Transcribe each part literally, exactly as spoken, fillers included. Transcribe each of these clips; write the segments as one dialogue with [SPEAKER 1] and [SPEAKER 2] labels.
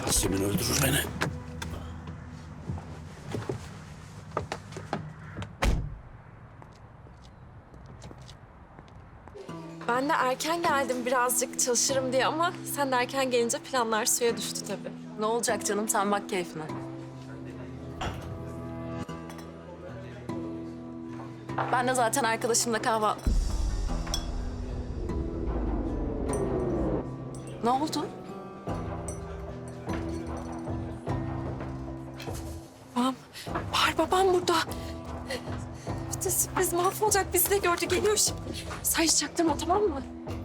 [SPEAKER 1] Yasemin öldürür beni.
[SPEAKER 2] Ben de erken geldim birazcık çalışırım diye ama sen de erken gelince planlar suya düştü tabii.
[SPEAKER 3] Ne olacak canım, sen bak keyfine. Ben de zaten arkadaşımla kahve... Ne oldu?
[SPEAKER 2] Babam, var babam burada. Bütün sürpriz mahvolacak. Bizi de gördü, geliyor şimdi. Sen hiç çaktırma, tamam mı?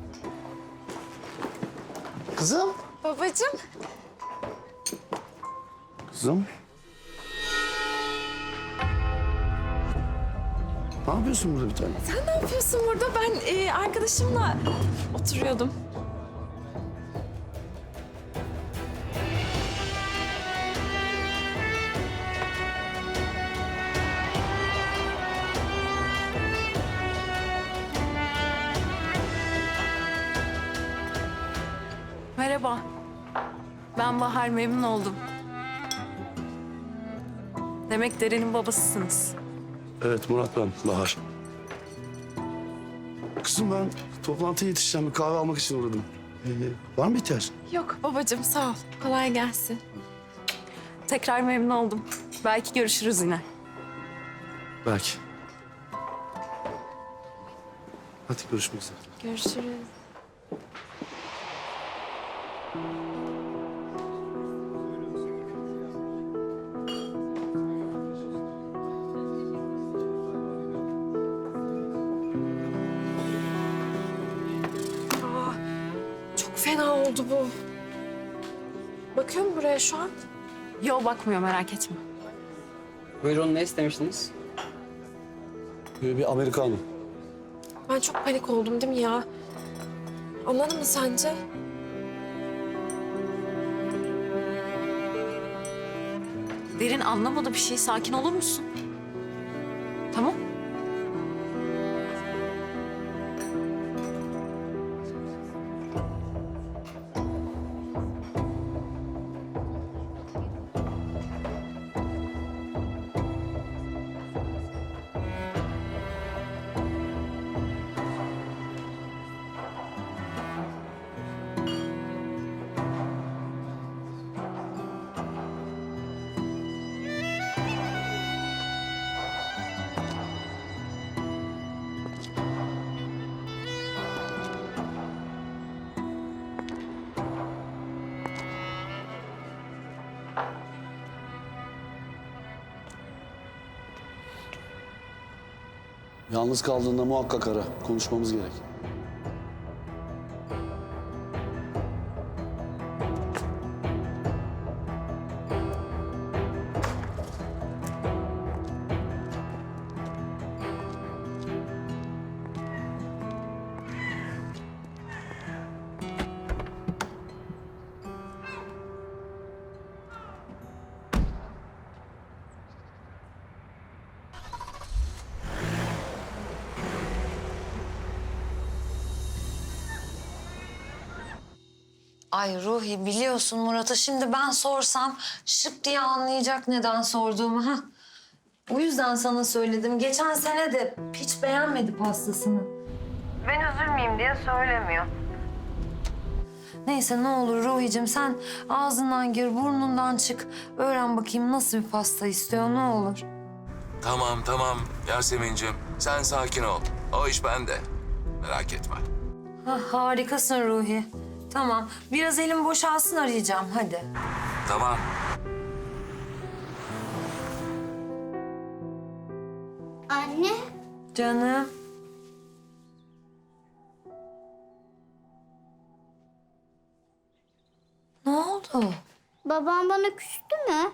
[SPEAKER 1] Kızım.
[SPEAKER 2] Babacığım.
[SPEAKER 1] Kızım. Ne yapıyorsun burada bir tane?
[SPEAKER 2] Sen ne yapıyorsun burada? Ben e, arkadaşımla oturuyordum.
[SPEAKER 3] Merhaba. Ben Bahar, memnun oldum. Demek Deren'in babasısınız.
[SPEAKER 1] Evet Murat ben, Bahar. Kızım ben toplantıya yetişeceğim. Bir kahve almak için uğradım. Ee, var mı ihtiyaç?
[SPEAKER 2] Yok babacığım, sağ ol. Kolay gelsin.
[SPEAKER 3] Tekrar memnun oldum. Belki görüşürüz yine.
[SPEAKER 1] Belki. Hadi görüşmek üzere.
[SPEAKER 2] Görüşürüz. Aa, çok fena oldu bu. Bakıyor mu buraya şu an?
[SPEAKER 3] Yo, bakmıyor, merak etme.
[SPEAKER 4] Buyurun, ne istemiştiniz?
[SPEAKER 1] Ee, bir Amerikanım.
[SPEAKER 2] Ben çok panik oldum değil mi ya? Anladın mı sence?
[SPEAKER 3] Derin anlamadı bir şey. Sakin olur musun? Tamam.
[SPEAKER 1] Yalnız kaldığında muhakkak ara. Konuşmamız gerek.
[SPEAKER 5] Ay Ruhi, biliyorsun Murat'a şimdi ben sorsam şıp diye anlayacak neden sorduğumu. Ha. O yüzden sana söyledim. Geçen sene de hiç beğenmedi pastasını. Ben üzülmeyeyim diye söylemiyor. Neyse ne olur Ruhi'cim, sen ağzından gir, burnundan çık. Öğren bakayım nasıl bir pasta istiyor, ne olur.
[SPEAKER 6] Tamam tamam Yasemin'cim, sen sakin ol. O iş bende. Merak etme.
[SPEAKER 5] Ha, harikasın Ruhi. Tamam, biraz elim boşalsın, arayacağım hadi.
[SPEAKER 6] Tamam.
[SPEAKER 7] Anne,
[SPEAKER 5] Canım. Ne oldu?
[SPEAKER 7] babam bana küstü mü?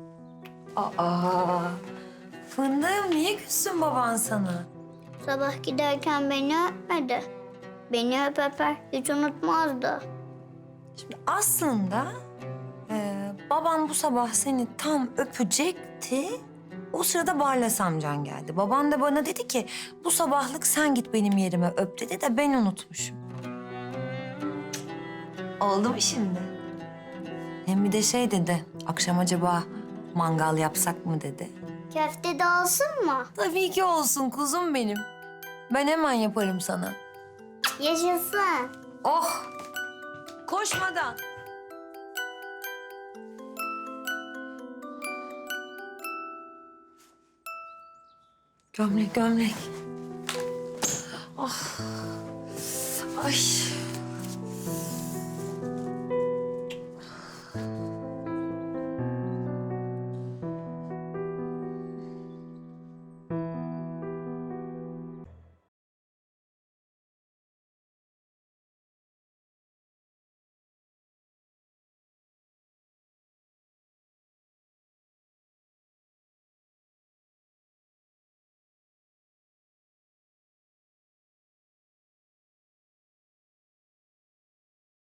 [SPEAKER 5] Aa, fındığım, niye küssün baban sana?
[SPEAKER 7] Sabah giderken beni öpmedi. Beni öp öper, hiç unutmazdı.
[SPEAKER 5] Şimdi aslında e, baban bu sabah seni tam öpecekti. O sırada Barlas amcan geldi. Baban da bana dedi ki bu sabahlık sen git benim yerime öp dedi de ben unutmuşum. Oldu mu şimdi? Hem bir de şey dedi, akşam acaba mangal yapsak mı dedi.
[SPEAKER 7] Köfte de olsun mu?
[SPEAKER 5] Tabii ki olsun kuzum benim. Ben hemen yaparım sana.
[SPEAKER 7] Yaşasın.
[SPEAKER 5] Oh! Koşmadan. Gömlek, gömlek. Ah. Ay.